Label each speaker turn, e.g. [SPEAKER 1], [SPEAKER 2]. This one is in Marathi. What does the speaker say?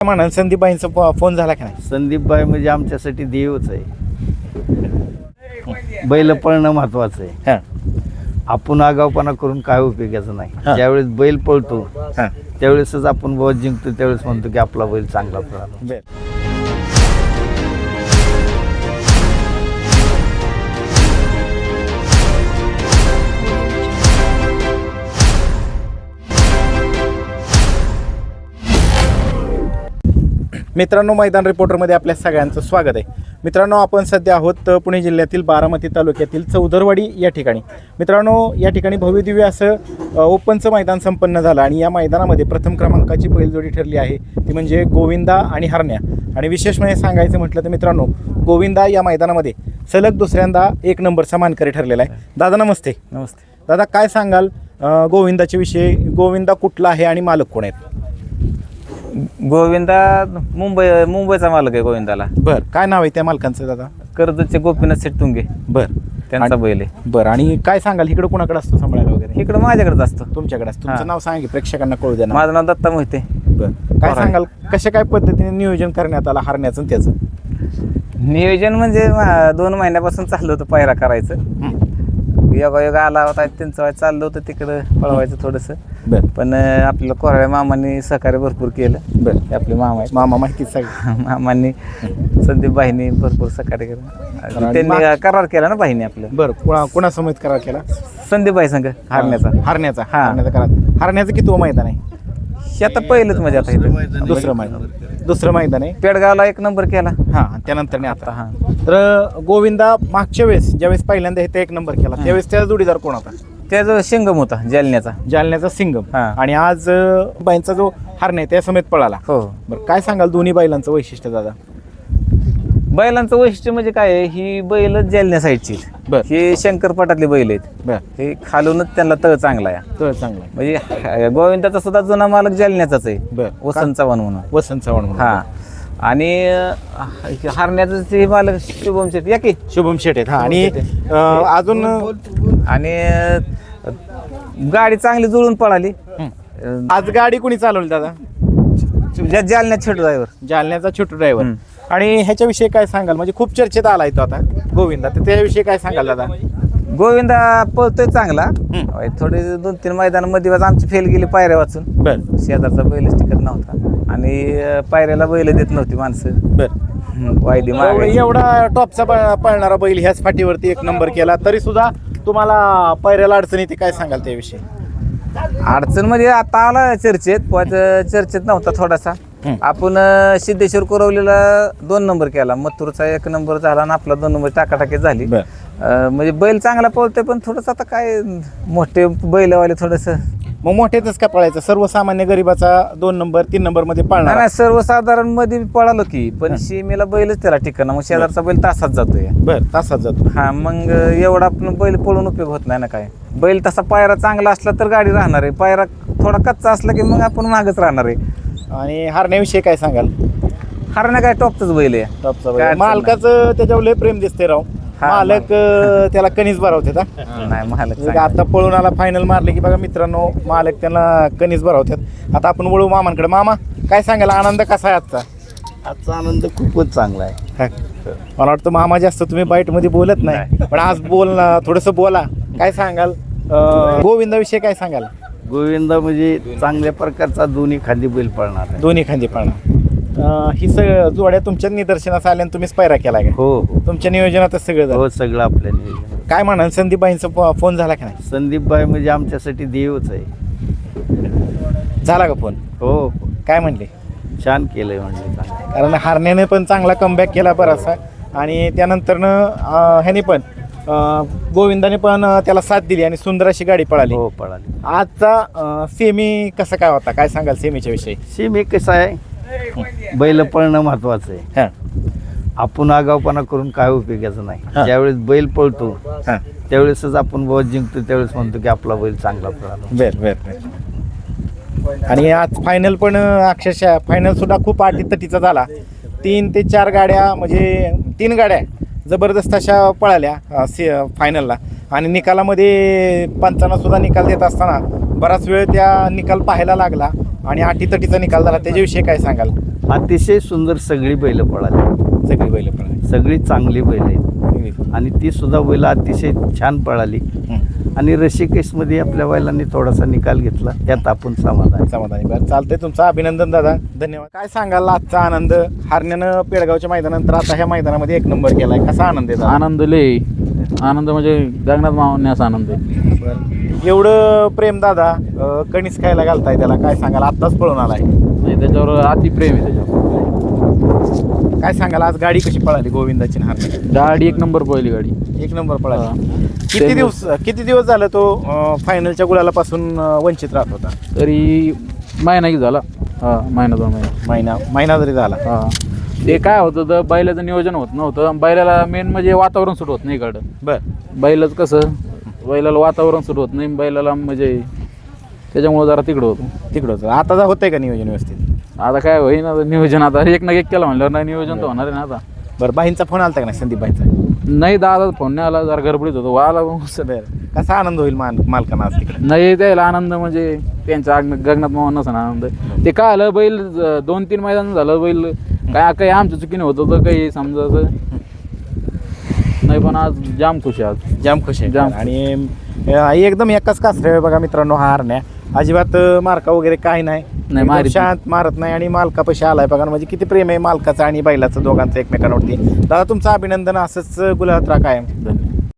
[SPEAKER 1] म्हणाल संदीपबाईंचा फोन झाला की नाही?
[SPEAKER 2] संदीपबाई म्हणजे आमच्यासाठी देवच आहे. बैल पळणं महत्वाचं आहे.
[SPEAKER 1] हां
[SPEAKER 2] आपण आगावपणा करून काय उपयोगाचं नाही.
[SPEAKER 1] हां.
[SPEAKER 2] ज्यावेळेस बैल पळतो
[SPEAKER 1] हां
[SPEAKER 2] त्यावेळेसच आपण बहुत जिंकतो, त्यावेळेस म्हणतो की आपला बैल चांगला पळाला.
[SPEAKER 1] बर. मित्रांनो, मैदान रिपोर्टरमध्ये आपल्या सगळ्यांचं स्वागत आहे. मित्रांनो, आपण सध्या आहोत पुणे जिल्ह्यातील बारामती तालुक्यातील चौदरवाडी या ठिकाणी. मित्रांनो, या ठिकाणी भव्यदिव्य असं ओपनचं मैदान संपन्न झालं आणि या मैदानामध्ये प्रथम क्रमांकाची बैलजोडी ठरली आहे, ती म्हणजे गोविंदा आणि हरण्या. आणि विशेष म्हणजे सांगायचं म्हटलं तर मित्रांनो, गोविंदा या मैदानामध्ये सलग दुसऱ्यांदा एक नंबरचा मानकरी ठरलेला आहे. दादा नमस्ते.
[SPEAKER 2] नमस्ते.
[SPEAKER 1] दादा, काय सांगाल गोविंदाच्या विषयी? गोविंदा कुठला आहे आणि मालक कोण आहेत?
[SPEAKER 3] गोविंदा मुंबईचा मालक आहे. गोविंदाला
[SPEAKER 1] बरं, काय नाव आहे त्या मालकांचं दादा?
[SPEAKER 3] कर्जतचे गोपीनाथ शेटतुंगे
[SPEAKER 1] बरं,
[SPEAKER 3] त्यांचा बैल आहे.
[SPEAKER 1] बरं. आणि काय सांगाल, इकडं कुणाकडे असतो सांभाळायला वगैरे?
[SPEAKER 3] इकडं माझ्याकडेच असतो.
[SPEAKER 1] तुमच्याकडे असतो. तुमचं
[SPEAKER 3] हां.
[SPEAKER 1] नाव सांगा की प्रेक्षकांना कळू द्या ना.
[SPEAKER 3] माझं नाव दत्ता मोहिते.
[SPEAKER 1] बरं, काय सांगाल कशा काय पद्धतीने नियोजन करण्यात आलं हरण्याचं आणि त्याचं?
[SPEAKER 3] नियोजन म्हणजे 2 महिन्यापासून चाललं होतं पायरा करायचं. योगा आला होता, त्यांचं चाललं होतं तिकडं पळवायचं थोडंसं.
[SPEAKER 1] बरं
[SPEAKER 3] पण आपल्याला कोराळे मामांनी सहकार्य भरपूर केलं.
[SPEAKER 1] बरं,
[SPEAKER 3] ते आपले मामा आहेत.
[SPEAKER 1] मामा माहितीच सांग.
[SPEAKER 3] मामांनी संदीपबाईंनी भरपूर सहकार्य केलं. त्यांनी करार केला ना बाईंनी आपलं.
[SPEAKER 1] बरं, कोणासमोर करार केला?
[SPEAKER 3] संदीपबाई संघ हरण्याचा.
[SPEAKER 1] हरण्याचा.
[SPEAKER 3] हां.
[SPEAKER 1] हरण्याचा करार. हरण्याचं किती मैदान आहे?
[SPEAKER 3] हे आता पहिलंच म्हणजे आता इथं
[SPEAKER 1] दुसरं मैदान आहे.
[SPEAKER 3] पेडगावला 1 नंबर केला.
[SPEAKER 1] हां, त्यानंतर नाही आता.
[SPEAKER 3] हां.
[SPEAKER 1] तर गोविंदा मागच्या वेळेस ज्यावेळेस पहिल्यांदा इथे 1 नंबर केला त्यावेळेस त्याचा जोडीदार कोण होता?
[SPEAKER 3] त्याचा शिंगम होता जालन्याचा.
[SPEAKER 1] जालन्याचा सिंगम.
[SPEAKER 3] हां.
[SPEAKER 1] आणि आज बाईंचा जो हरण्या त्या समेत पळाला.
[SPEAKER 3] हो.
[SPEAKER 1] बरं, काय सांगाल दोन्ही बैलांचं वैशिष्ट्य दादा?
[SPEAKER 3] बैलांचं वैशिष्ट्य म्हणजे काय आहे, ही बैल जालन्या साईडची.
[SPEAKER 1] बर.
[SPEAKER 3] ही शंकरपटातली बैल आहेत.
[SPEAKER 1] बरं,
[SPEAKER 3] हे खालूनच त्यांना तळ चांगला आहे.
[SPEAKER 1] तर चांगलं आहे.
[SPEAKER 3] म्हणजे गोविंदाचा सुद्धा जुना मालक जालन्याचाच आहे.
[SPEAKER 1] बरं.
[SPEAKER 3] वसंत चव्हाण म्हणून.
[SPEAKER 1] वसंत चव्हाण म्हणून.
[SPEAKER 3] हा. आणि हरण्याचं ते मालक शुभम शेट या की.
[SPEAKER 1] शुभम शेट आहेत. हां. आणि अजून
[SPEAKER 3] आणि गाडी चांगली जुळून पळाली.
[SPEAKER 1] आज गाडी कोणी चालवली दादा?
[SPEAKER 3] जालन्यात छोटू ड्रायव्हर.
[SPEAKER 1] जालन्याचा छोटू ड्रायव्हर. आणि ह्याच्याविषयी काय सांगाल? म्हणजे खूप चर्चेत आलाय तो आता गोविंदा, तर त्याविषयी काय सांगाल दादा?
[SPEAKER 3] गोविंदा पळतोय चांगला. थोडे 2-3 मैदानामध्ये आमची फेल गेली पायऱ्या वाचून.
[SPEAKER 1] बरं
[SPEAKER 3] शेजारचा बैलच टिकत नव्हता आणि पायऱ्याला बैल देत नव्हती माणसं.
[SPEAKER 1] बरं.
[SPEAKER 3] वायदी मागायची.
[SPEAKER 1] एवढा टॉपचा पळणारा बैल ह्याच फाटीवरती 1 नंबर केला, तरी सुद्धा तुम्हाला पायऱ्याला अडचण येते, काय सांगाल त्याविषयी?
[SPEAKER 3] अडचण म्हणजे आता आला चर्चेत, पण चर्चेत नव्हता थोडासा. आपण सिद्धेश्वर कोरवलीला 2 नंबर केला, मथुरचा 1 नंबर झाला आणि आपला 2 नंबर टाकाटाकी झाली. म्हणजे बैल चांगला पळतोय, पण थोडस आता काय मोठे बैलवाले थोडस.
[SPEAKER 1] मग मोठ्यातच का पळायचं? सर्वसामान्य गरीबाचा 2 नंबर 3 नंबर मध्ये पळणार?
[SPEAKER 3] नाही, सर्वसाधारण मध्ये पळालो की, पण सीमेला बैलच त्याला ठिकाणा. मग शेजारचा बैल तासात जातोय.
[SPEAKER 1] बरं, तासात जातो.
[SPEAKER 3] हा, मग एवढा आपण बैल पळून उपयोग होत नाही ना. काय बैल तसा पायरा चांगला असला तर गाडी राहणार आहे, पायरा थोडा कच्चा असला की मग आपण मागच राहणार आहे.
[SPEAKER 1] आणि हरण्याविषयी काय सांगाल?
[SPEAKER 3] हरण्या काय टॉपच बैल आहे.
[SPEAKER 1] टॉपचा
[SPEAKER 3] काय
[SPEAKER 1] बैल.
[SPEAKER 3] अडचण
[SPEAKER 1] मालकाचं त्याच्यावर लय प्रेम दिसते राव.
[SPEAKER 3] हा,
[SPEAKER 1] मालक त्याला कणीस भरवतात.
[SPEAKER 3] नाही मालक
[SPEAKER 1] म्हणजे आता पळून आला, फायनल मारले की बघा मित्रांनो, मालक त्यांना कणीस भरवतात. आता आपण वळू मामांकडे. मामा, काय सांगाल, आनंद कसा आहे आजचा?
[SPEAKER 2] आजचा आनंद खूपच चांगला आहे.
[SPEAKER 1] हा. मला वाटतं मामा जास्त तुम्ही बाईटमध्ये बोलत नाही, पण आज थोडंसं बोला. काय सांगाल गोविंदाविषयी? काय सांगाल?
[SPEAKER 2] गोविंदा म्हणजे चांगल्या प्रकारचा दोन्ही खांदी बैल पळणार आहे.
[SPEAKER 1] दोन्ही खांदी पळणार. ही जोड्या तुमच्या निदर्शनास आल्या आणि तुम्हीच पायरा केला का?
[SPEAKER 2] हो हो
[SPEAKER 1] तुमच्या नियोजनातच सगळं झालं?
[SPEAKER 2] हो, सगळं आपल्या नियोजन.
[SPEAKER 1] काय म्हणाल संदीपबाईंचा फोन झाला की नाही?
[SPEAKER 2] संदीपबाई म्हणजे आमच्यासाठी देवच आहे.
[SPEAKER 1] झाला का फोन?
[SPEAKER 2] हो,
[SPEAKER 1] काय म्हणले?
[SPEAKER 2] छान केलंय म्हणजे चांगलं.
[SPEAKER 1] कारण हरण्याने पण चांगला कमबॅक केला बराचसा, आणि त्यानंतरनं ह्याने पण गोविंदाने पण त्याला साथ दिली आणि सुंदर अशी गाडी पळाली.
[SPEAKER 2] हो, पळाली.
[SPEAKER 1] आजचा सेमी कसा काय होता? काय सांगाल सेमीच्या विषयी?
[SPEAKER 2] सीम कसं आहे, बैल पळणं महत्वाचं आहे.
[SPEAKER 1] हां
[SPEAKER 2] आपण आगावपणा करून काय उपयोगाचं नाही.
[SPEAKER 1] हां.
[SPEAKER 2] ज्यावेळेस बैल पळतो
[SPEAKER 1] हां.
[SPEAKER 2] त्यावेळेसच आपण बहुत जिंकतो, त्यावेळेस म्हणतो की आपला बैल चांगला पळाला.
[SPEAKER 1] बर. आणि आज फायनल पण अक्षरशः फायनल सुद्धा खूप अटीतटीचा झाला. 3 ते 4 गाड्या, म्हणजे 3 गाड्या जबरदस्त अशा पळाल्या फायनलला. आणि निकालामध्ये पंचांना सुद्धा निकाल देत असताना बराच वेळ त्या निकाल पाहायला लागला आणि अटीतटीचा निकाल झाला. त्याच्याविषयी काय सांगाल?
[SPEAKER 2] अतिशय सुंदर सगळी बैल पळाली,
[SPEAKER 1] सगळी बैल पळाली.
[SPEAKER 2] सगळी चांगली बैल आहेत आणि ती सुद्धा बैल अतिशय छान पळाली. आणि ऋषिकेशमध्ये आपल्या बैलांनी थोडासा निकाल घेतला, त्यात आपण समाधान.
[SPEAKER 1] समाधानी. बरं चालतंय, तुमचं अभिनंदन दादा, धन्यवाद. काय सांगाल आजचा आनंद? हरण्यानं पेडगावच्या मैदानानंतर आता ह्या मैदानामध्ये एक नंबर केलाय, कसा आनंद आहे दादा?
[SPEAKER 4] आनंद लय आनंद म्हणजे गगनात मावण्याचा आनंद आहे.
[SPEAKER 1] बरं. एवढं प्रेम दादा कणीस खायला घालताय त्याला, काय सांगाल? आत्ताच पळून आलाय,
[SPEAKER 4] नाही त्याच्यावर अतिप्रेम आहे त्याच्यावर.
[SPEAKER 1] काय सांगाल? आज गाडी कशी पळाली गोविंदाची आणि हरण्या?
[SPEAKER 4] गाडी एक नंबर पहिली गाडी.
[SPEAKER 1] एक नंबर पळाली.
[SPEAKER 4] हा.
[SPEAKER 1] किती दिवस झालं तो फायनलच्या गुलालापासून वंचित राहत होता?
[SPEAKER 4] तरी महिना की झाला. महिना 2 महिना.
[SPEAKER 1] महिना जरी झाला.
[SPEAKER 4] ते काय होतं तर बैलाचं नियोजन होत नव्हतं. बैलाला मेन म्हणजे वातावरण सुट होत नाही इकडं.
[SPEAKER 1] बरं.
[SPEAKER 4] बैलाचं कसं, बैलाला वातावरण सुट होत नाही, बैलाला म्हणजे त्याच्यामुळं जरा तिकडं होतं.
[SPEAKER 1] तिकडं होतं. आता होतंय का नियोजन व्यवस्थित?
[SPEAKER 4] आता काय होईन आता नियोजन, आता एक ना एक केलं म्हणल्यावर नाही नियोजन तर होणार आहे ना आता.
[SPEAKER 1] बरं, बाईंचा फोन आलता का नाही, संदीप बाईंचा?
[SPEAKER 4] नाही दादा फोन नाही आला, जरा गडबडीत होतो आला.
[SPEAKER 1] बरं. कसा आनंद होईल मालकांना आज तिकडे?
[SPEAKER 4] नाही द्यायला आनंद म्हणजे त्यांच्या गगनात मावून नसा आनंद. ते काय आलं, बैल 2-3 मैदान झालं बैल काय काही आमच्या चुकीने होतं तर काही समजायचं नाही, पण आज जाम खुश आहे. आज
[SPEAKER 1] जाम खुश आहे.
[SPEAKER 4] जाम.
[SPEAKER 1] आणि एकदम एकाच कासरे बघा मित्रांनो, हा हरण्या अजिबात मार्का वगैरे काही नाही,
[SPEAKER 4] नाही,
[SPEAKER 1] एकदम
[SPEAKER 4] मारीत
[SPEAKER 1] शांत, मारत नाही आणि मालकापाशी आलाय बघा. म्हणजे किती प्रेम आहे मालकाचं आणि बैलाचं दोघांचं एकमेकांवरती. दादा तुमचं अभिनंदन, असंच गुलाबात राहा कायम.
[SPEAKER 4] धन्यवाद.